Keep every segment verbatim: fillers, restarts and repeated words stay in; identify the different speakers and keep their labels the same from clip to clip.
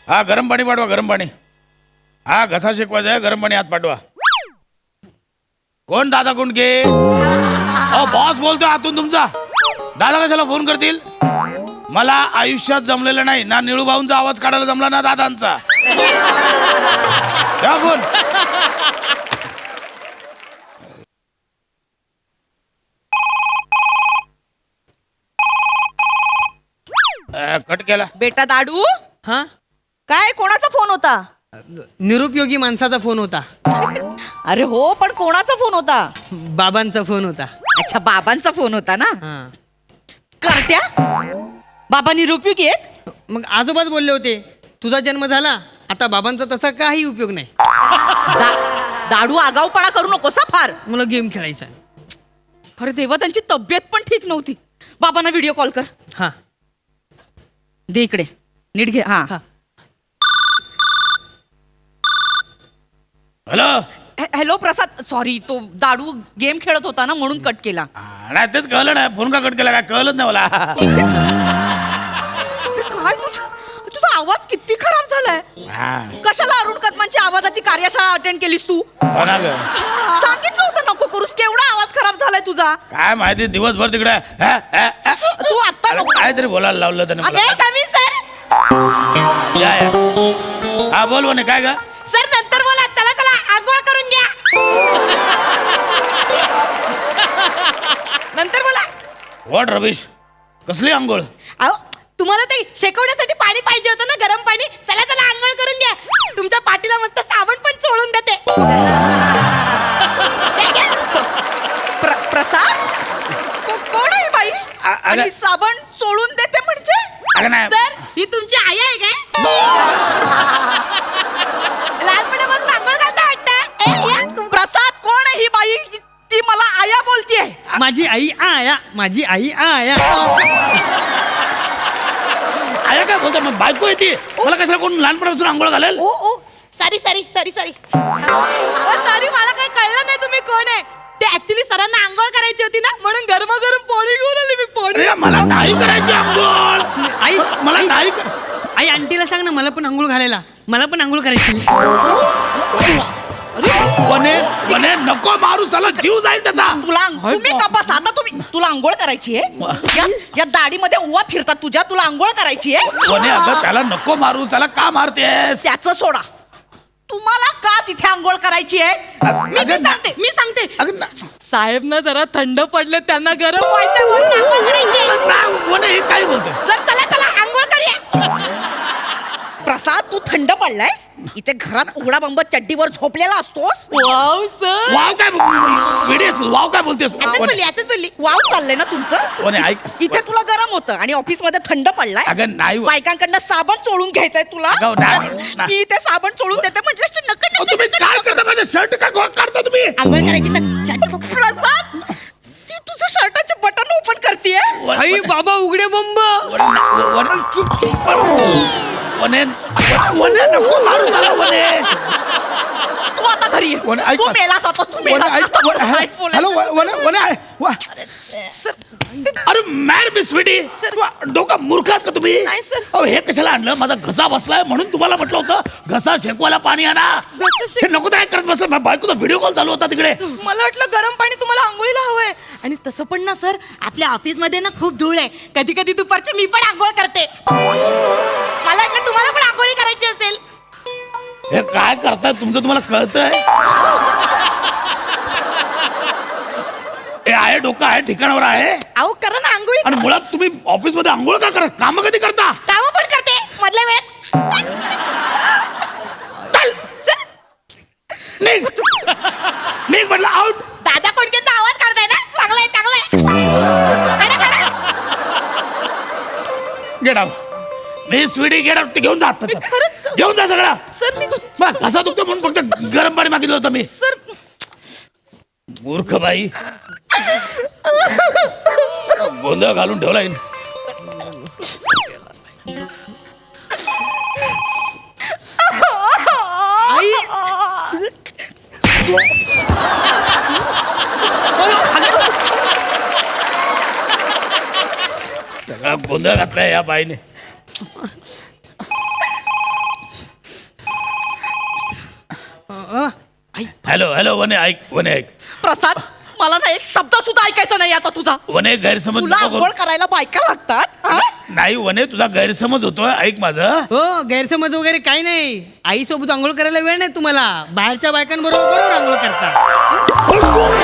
Speaker 1: हा गरम पाणी पाठवा, गरम पाणी. हा घसा शेकवायचा आहे, गरम पाणी हात पाठवा. कोण दादा कुंडके? अहो बॉस बोलतोय आतून तुमचा. दादा कशाला फोन करतील? मला आयुष्यात जमलेलं नाही ना, निळू भाऊंचा आवाज काढायला जमला ना दादांचा. द्या फोन. कट केला.
Speaker 2: बेटा दाडू,
Speaker 3: हा
Speaker 2: काय कोणाचा फोन होता?
Speaker 3: निरुपयोगी माणसाचा फोन होता.
Speaker 2: अरे हो, पण कोणाचा फोन होता?
Speaker 3: बाबांचा फोन होता.
Speaker 2: अच्छा, बाबांचा फोन होता ना.
Speaker 3: हा
Speaker 2: करत्या बाबा निरुपयोगी आहेत.
Speaker 3: मग आजोबाच बोलले होते तुझा जन्म झाला आता बाबांचा तसा काही उपयोग नाही.
Speaker 2: दा- दाडू आगाऊपणा करू नकोस हा फार.
Speaker 3: मला गेम खेळायचा.
Speaker 2: अरे देवा, त्यांची तब्येत पण ठीक नव्हती. बाबांना व्हिडिओ कॉल कर.
Speaker 3: हा
Speaker 2: दे इकडे, नीट घे. हा
Speaker 3: हा
Speaker 1: हॅलो.
Speaker 2: हॅलो प्रसाद, सॉरी, तो दाडू गेम खेळत होता ना म्हणून कट केला.
Speaker 1: नाही तेच कळलं नाही, फोन का कट केला काय कळलंच नाही मला.
Speaker 2: काय तुझा तुझा आवाज किती खराब झालाय.
Speaker 1: हा.
Speaker 2: कशाला अरुण कदमांची आवाजाची कार्यशाळा अटेंड केलीस तू?
Speaker 1: हो ना गं.
Speaker 2: सांगितलं होतं नको करूस. केवढा आवाज खराब झालाय तुझा.
Speaker 1: काय माहिती दिवसभर तिकडे हा, हा, हा.
Speaker 2: तू आता
Speaker 1: अरे
Speaker 2: नको.
Speaker 1: काहीतरी बोलायला लावलं त्याने मला.
Speaker 2: अरे कमी सर.
Speaker 1: या, या. हा बोल म्हणे काय ग.
Speaker 2: सर नंतर बोला. चला चला आंघोळ करून घ्या. नंतर बोला.
Speaker 1: व्हॉट रविश, कसली आंघोळ?
Speaker 2: अहो तुम्हाला ते शेकवण्यासाठी पाणी पाहिजे होतं ना, गरम पाणी. चला चला आंघोळ करून घ्या. तुमच्या पाठीला मस्त साबण पण चोळून देते. प्र- प्रसाद को- कोण आहे बाई?
Speaker 1: अ- अगं-
Speaker 2: आणि साबण चोळून देते म्हणजे?
Speaker 1: अगं नाही.
Speaker 2: सर ही तुमची आई आहे काय? लहानपणापासून आंघोळ घालता वाटतं. प्रसाद कोण आहे ही बाई? ती मला आया बोलतीये.
Speaker 3: माझी आई आया माझी आई आया.
Speaker 1: आया काय बोलतो मग, बायको येते मला कशाला कोण लहानपणापासून आंघोळ घालेल?
Speaker 2: ओ ओ sorry sorry sorry sorry sorry मला काही कळलं नाही तुम्ही कोण आहे ते. ऍक्च्युली सरांना आंघोळ करायची होती ना म्हणून गरम गरम पोळी घेऊन आली मी. पोळी
Speaker 1: अरे मला नाही करायची आंघोळ.
Speaker 3: आई
Speaker 1: मला नाही कर.
Speaker 3: आई आंटीला सांग ना मला पण आंघोळ घालायला. मला पण आंघोळ करायची.
Speaker 1: वने वने नको मारू, साला जीव जाईल त्याचा.
Speaker 2: तुला तुम्ही कपास आता तुम्ही तुला आंघोळ करायची आहे या, या दाढीमध्ये उवा फिरतात तुझ्या. तुला आंघोळ करायची आहे.
Speaker 1: वने अगं त्याला नको मारू, त्याला का मारतेस?
Speaker 2: त्याचं सोडा. तुम्हाला का तिथे आंघोळ करायची आहे? मी
Speaker 1: अगं
Speaker 2: मी सांगते मी सांगते
Speaker 1: अगं ना-
Speaker 2: साहेब ना जरा थंड पडले, त्यांना गरम व्हायचं म्हणून आंघोळ करायची आहे.
Speaker 1: ना- वने हे काय बोलतोय?
Speaker 2: सर चला चला आंघोळ करूया. प्रसाद तू थंड पडलायस. इथे घरात उघडा बंब चड्डीवर झोपलेला असतोस. Wow sir.
Speaker 1: वाव काय वेडी वाव काय बोलतेस?
Speaker 2: याच बोलली याच बोलली. वाव चाललंय ना तुमचं.
Speaker 1: वने ऐक.
Speaker 2: इथे तुला गरम होतं आणि ऑफिस मध्ये थंड पडलाय.
Speaker 1: अगं नाही.
Speaker 2: बायकांकडनं साबण चोळून घ्यायचंय तुला.
Speaker 1: अगं नाही, नाही.
Speaker 2: मी इथे साबण चोळून देते म्हटलं नक्की
Speaker 1: अहो, तुम्ही काय करता? माझं शर्ट का गो- काढता तुम्ही?
Speaker 2: आंघोळ करायची तर प्रसाद ती तुझं शर्टाचे बटन ओपन करतेय.
Speaker 3: आई बाबा उघडे बंब.
Speaker 1: वने वने नको मारू त्याला वने.
Speaker 2: तू आता घरी ये.
Speaker 1: वने, ऐक
Speaker 2: तू
Speaker 1: ना.
Speaker 2: मेलास आता. तू
Speaker 1: वने,
Speaker 2: मेलास
Speaker 1: ऐक.
Speaker 2: आता.
Speaker 1: वने,
Speaker 2: काय बोलायचं?
Speaker 1: हॅलो वने वने आहे. वा.
Speaker 2: सर
Speaker 1: अरे मॅड मिस स्वीटी, डोका मूर्खात का तुम्ही?
Speaker 2: नाही, सर.
Speaker 1: अहो हे कशाला आणलं? माझा घसा बसलाय म्हणून तुम्हाला म्हटलं होतं घसा शेकवायला पाणी आणा.
Speaker 2: घसा शेक-
Speaker 1: हे नको काय करत बसलं? माझ्या बायकोचा व्हिडिओ कॉल चालू होता तिकडे.
Speaker 2: मला वाटलं गरम पाणी तुम्हाला आंघोळीला हवंय. आणि तसं पण ना सर, आपल्या ऑफिस मध्ये ना खूप धूळ आहे. कधी कधी दुपारची मी पण आंघोळ करते. मला वाटलं तुम्हाला पण आंघोळी करायची असेल.
Speaker 1: हे काय करताय तुमचं, तुम्हाला कळतंय? हे आहे डोकं आहे ठिकाणावर आहे.
Speaker 2: अहो करा ना आंघोळी.
Speaker 1: आणि मुळात तुम्ही ऑफिस मध्ये आंघोळ का करा? काम कधी करता?
Speaker 2: कामं पण करते मधल्या वेळेत.
Speaker 1: चल
Speaker 2: सर,
Speaker 1: निघ निघ म्हटलं आउट.
Speaker 2: दादा कोणत्याचा आवाज काढताय ना? चांगलाय चांगलाय. काढा, काढा.
Speaker 1: Get out. मी स्वीटी गेट आउट. घेऊन जा आता.
Speaker 2: खरंच?
Speaker 1: घेऊन जा सगळा.
Speaker 2: सर मी
Speaker 1: बस कसा दुखतो म्हणून फक्त गरम पाणी मागितलं होतं मी.
Speaker 2: सर
Speaker 1: मूर्ख बाई. गोंधळ घालून ठेवलाय.
Speaker 3: आई
Speaker 1: सगळा गोंधळ घातलाय या बाईने. हॅलो हॅलो वने ऐक वने ऐक
Speaker 2: प्रसाद मला ना एक शब्द सुद्धा ऐकायचा नाही आता तुझा.
Speaker 1: वने गैरसमज
Speaker 2: तुला
Speaker 1: नको
Speaker 2: आंघोळ
Speaker 1: करू.
Speaker 2: करायला बायका लागतात हा?
Speaker 1: नाही वने तुझा गैरसमज होतोय ऐक माझं.
Speaker 3: हो गैरसमज वगैरे काही नाही. आई सोबत आंघोळ करायला वेळ नाही तुम्हाला. बाहेरच्या बायकांबरोबर बरोबर आंघोळ करता.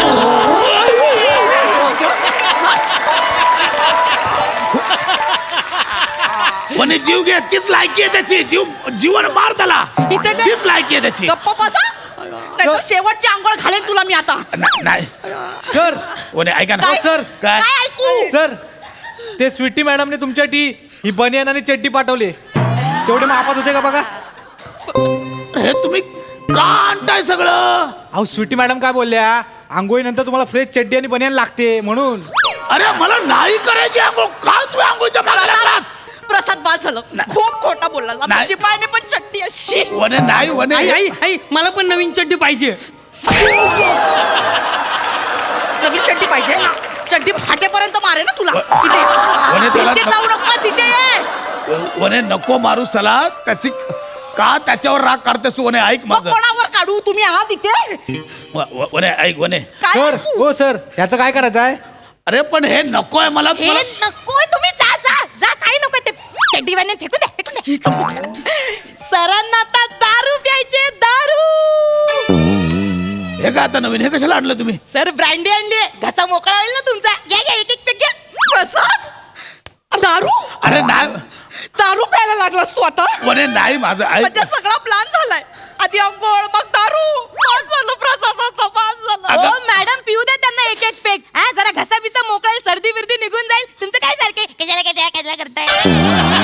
Speaker 1: वने जीव घे तीच लायकी आहे त्याची. जीव जीवन मार त्याला.
Speaker 2: इथे ते-
Speaker 1: तीच लायकी आहे त्याची.
Speaker 2: गप्प बसा. नाहीतर शेवटची आंघोळ घालेन तुला मी आता.
Speaker 1: ना- नाही
Speaker 4: सर
Speaker 1: वने ऐका ना.
Speaker 2: काय
Speaker 4: सर.
Speaker 1: काय
Speaker 2: काय ऐकू?
Speaker 4: सर ते स्वीटी मॅडमने तुमच्यासाठी ही बनियान आणि चड्डी पाठवली. तेवढे मापात होते का बघा.
Speaker 1: हे तुम्ही का आणताय सगळं.
Speaker 4: अहो स्वीटी मॅडम काय बोलल्या, आंघोळीनंतर तुम्हाला फ्रेश चड्डी आणि बनियान लागते म्हणून.
Speaker 1: अरे मला नाही करायची आंघोळ. काय तुम्ही आंघोळच्या मागे लागलात.
Speaker 2: प्रसाद बाद झालं.
Speaker 1: नाही.
Speaker 2: खूप खोटा बोलला. आता
Speaker 1: नाही.
Speaker 2: शिपायाने पण चट्टी अशी.
Speaker 1: वने नाही वने
Speaker 3: आई आई आई मला पण नवीन चड्डी पाहिजे.
Speaker 2: नवीन चड्डी पाहिजे ना. चड्डी फाटेपर्यंत मारे ना तुला.
Speaker 1: व-
Speaker 2: इथे
Speaker 1: वने त्याला-
Speaker 2: इथे जाऊ नकोस. इथे ये.
Speaker 1: वने नको मारू चला. त्याची का त्याच्यावर राग काढतेस तू. वने ऐक
Speaker 2: मग
Speaker 1: माझं.
Speaker 2: कोणावर काढू. तुम्ही आहात इथे.
Speaker 1: व- व- वने ऐक वने.
Speaker 2: काय
Speaker 4: सर
Speaker 2: ऐकू?
Speaker 4: हो सर ह्याचं काय करायचं आहे.
Speaker 1: अरे पण हे नकोय मला.
Speaker 2: हे
Speaker 1: तुम्हाला-
Speaker 2: नकोय. तुम्ही जा जा जा. काही नको ते चड्डी वाने फेकून द्या फेकून द्या. सरांना आता दारू प्यायचे. दारू.
Speaker 1: हे काय आता नवीन हे कशाला आणलं तुम्ही.
Speaker 2: सर ब्रँडी आणली. घसा मोकळा होईल ना तुमचा. घ्या घ्या एक एक पेक घ्या. प्रसाद दारू.
Speaker 1: अरे नाही
Speaker 2: दारू प्यायला लागलास तू आता.
Speaker 1: वने नाही माझं ऐक.
Speaker 2: म्हणजे सगळा प्लॅन झालाय. आधी आंघोळ मग दारू. पास झालं प्रसादाचं पास झालं.
Speaker 1: अगं-
Speaker 2: हो मॅडम पिऊ द्या त्यांना एक एक पेक. हा जरा घसा बिसा मोकळा होईल. सर्दी बिर्दी निघून जाईल. तुमचं काय सारखे कशाला कशाला कशाला करताय.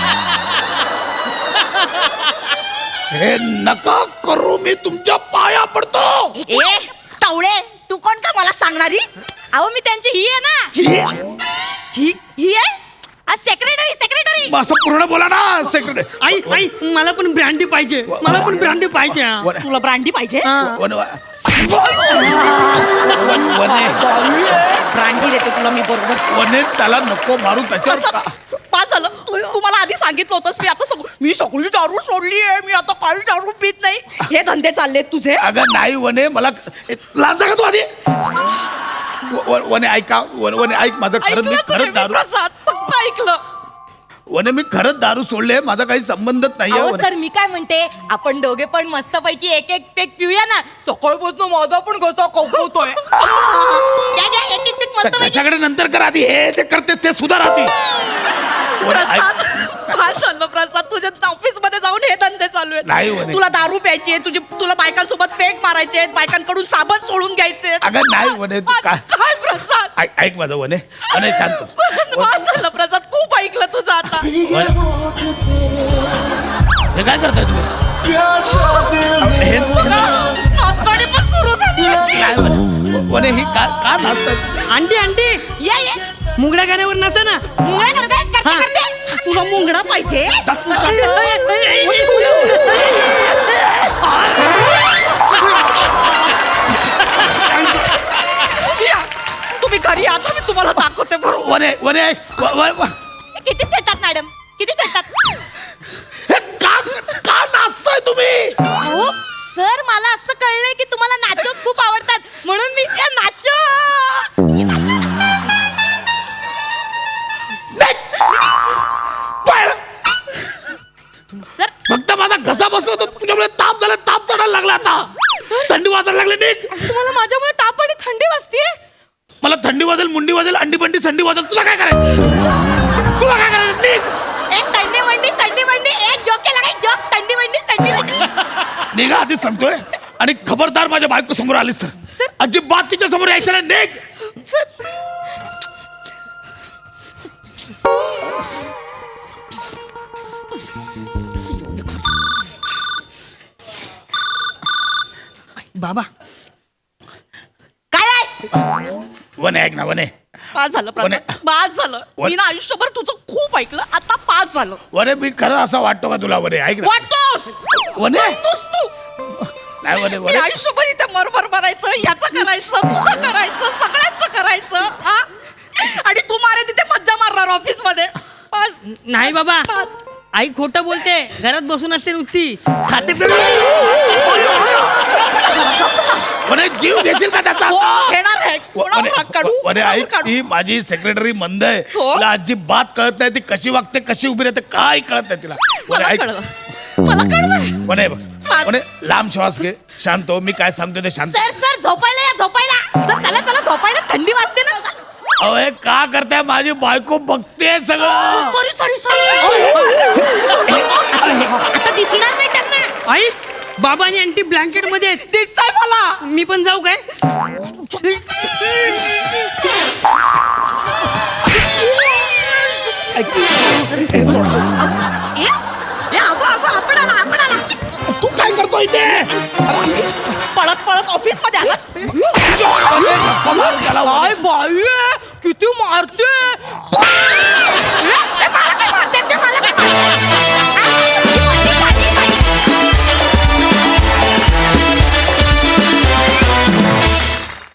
Speaker 1: हे नका करू. मी तुमच्या पाया पडतो.
Speaker 2: ए टावळे तू कोण का मला सांगणारी. अहो मी त्यांची ही आहे ना. ही ही आहे सेक्रेटरी सेक्रेटरी.
Speaker 1: असं पूर्ण बोला ना सेक्रेटरी.
Speaker 3: आई आई मला पण ब्रँडी पाहिजे. मला पण ब्रँडी पाहिजे.
Speaker 1: वने
Speaker 2: तुला ब्रांडी पाहिजे.
Speaker 3: हा.
Speaker 1: वने वन- वने
Speaker 2: ब्रांडी देते तुला मी बरोबर.
Speaker 1: वने त्याला नको मारू त्याच्यावर
Speaker 2: प्रसाद,
Speaker 1: का-
Speaker 2: पास झालं. तू तुम्हाला आधी सांगितलं होतंस. मी आता सग- मी सगळी दारू सोडली आहे. मी आता काळी दारू पित नाही. हे धंदे चाललेत तुझे.
Speaker 1: अगं नाही वने मला लांजा का तू आधी. व- व- वने ऐका वन- वने ऐक माझं खरंच मी
Speaker 2: ऐकलंच नाही
Speaker 1: खरंच
Speaker 2: मी,
Speaker 1: दारू
Speaker 2: प्रसाद फक्त ऐकलं.
Speaker 1: वने मी खरंच दारू सोडले. माझा काही संबंधच नाहीये
Speaker 2: अहो
Speaker 1: वने.
Speaker 2: सर मी काय म्हणते आपण दोघे पण मस्तपैकी एक एक पेक पिऊया ना. सकाळपासून माझा पण घसा कवकवतोय. घ्या, घ्या, एक एक पेक मस्तपैकी.
Speaker 1: त्याच्याकडे नंतर कर आधी. हे जे करते ते सुधार आधी. वने ऐक.
Speaker 2: प्रसाद काय चाललं प्रसाद. तुझ्या ऑफिस मध्ये जाऊन हे धंदे चालू
Speaker 1: नाही
Speaker 2: आहेत.
Speaker 1: म्हणे.
Speaker 2: तुला दारू प्यायची आहे. तुझी तुला बायकांसोबत पेक मारायचे आहेत. बायकांकडून साबण सोडून घ्यायचे आहेत.
Speaker 1: अगं नाही वने तू काय
Speaker 2: काय प्रसाद.
Speaker 1: ऐक ऐक माझं वने वने शांत.
Speaker 2: काय झालं प्रसाद. खूप ऐकलं तुझं आता.
Speaker 1: वने- हे काय करताय तुम्ही. हे
Speaker 2: नाचगाणी पण सुरू झाली याची.
Speaker 1: काय वने वने ही का का नाचतात.
Speaker 3: आंटी आंटी
Speaker 2: ये ये
Speaker 3: मुंगड्या गाण्यावर नाचा ना.
Speaker 2: मुंगळा करते करते
Speaker 3: हा.
Speaker 2: करते. तुला मुंगडा पाहिजे. या, तुम्ही घरी आता मी तुम्हाला दाखवते बरोबर.
Speaker 1: वने वने ऐक. व- व- व-
Speaker 2: किती चटतात मॅडम किती चटतात.
Speaker 1: हे का का नाचताय तुम्ही.
Speaker 2: अहो सर मला असं कळलंय की तुम्हाला नाचोच खूप आवडतात म्हणून मी त्या नाचो.
Speaker 1: नाही. पळ.
Speaker 2: सर
Speaker 1: फक्त माझा घसा बसला होता तुझ्यामुळे ताप झाला. ताप चढायला लागला आता. थंडी वाजायला लागली. निघ.
Speaker 2: तुम्हाला माझ्यामुळे ताप आणि थंडी वाजतीये.
Speaker 1: मला थंडी वाजेल मुंडी वाजेल अंडी बंडी थंडी वाजेल. तुला काय करायचं. तुला काय करायचं. निघ.
Speaker 2: एक थंडी मंडी थंडी मंडी एक जोक केला काय जोक थंडी मंडी थंडी मंडी.
Speaker 1: निघा आधीच सांगतोय. आणि खबरदार माझ्या बायको समोर आलीस तर
Speaker 2: सर.
Speaker 1: अजिबात तिच्या समोर यायचं नाही. निघ.
Speaker 3: बाबा
Speaker 2: काय आहे?
Speaker 1: वने ऐक ना वने
Speaker 2: पास झालं प्रसाद.
Speaker 1: वने-
Speaker 2: पास झालं.
Speaker 1: वन-
Speaker 2: मी ना आयुष्यभर तुझं खूप ऐकलं. आता पास झालं.
Speaker 1: वने मी खरं असं वाटतो का तुला. वने ऐक ना.
Speaker 2: वाटतोस
Speaker 1: वने
Speaker 2: वाटतोस तू.
Speaker 1: नाही वने
Speaker 2: मी
Speaker 1: वने
Speaker 2: आयुष्यभर इथे मरमर करायचं. याचं करायचं तुझं करायचं सगळ्यांचं करायचं. हा? आणि तू मारे तिथे मज्जा मारणार ऑफिस मध्ये. पास
Speaker 3: नाही बाबा.
Speaker 2: पास.
Speaker 3: आई खोटं बोलते. घरात बसून असते नुसती खाते.
Speaker 1: म्हणे जीव घेशील का त्याचा
Speaker 2: हो,
Speaker 1: आता?
Speaker 2: घेणार आहे. कोणावर
Speaker 1: म्हणे-
Speaker 2: हात काढू?
Speaker 1: म्हणे
Speaker 2: कोणावर
Speaker 1: ऐक
Speaker 2: काढू?
Speaker 1: ती माझी सेक्रेटरी मंद आहे
Speaker 2: हो?
Speaker 1: तिला अजिबात कळत नाही ती कशी वागते कशी उभी राहते काय कळत नाही तिला म्हणे
Speaker 2: मला
Speaker 1: ऐक
Speaker 2: कळलं मला कळलंय
Speaker 1: म्हणे बघ म्हणे लांब श्वास घे शांत हो मी काय सांगतो ते शांत
Speaker 2: सर सर झोपायला या झोपायला सर चला चला झोपायला थंडी वाजते ना
Speaker 1: अहो हे का करताय माझी बायको बघते सगळं
Speaker 2: सॉरी सॉरी सॉरी आता दिसणार नाही त्यांना
Speaker 3: आई बाबा आणि आंटी ब्लँकेट मध्ये आहेत.
Speaker 2: दिसतंय मला
Speaker 3: मी पण जाऊ काय
Speaker 2: ए, ए, अगो, अगो, आपण आला, आपण आला.
Speaker 1: तू काय करतो इथे
Speaker 2: पळत पळत ऑफिस मध्ये आला
Speaker 1: त्याला
Speaker 2: काय बाई आहे, किती मारते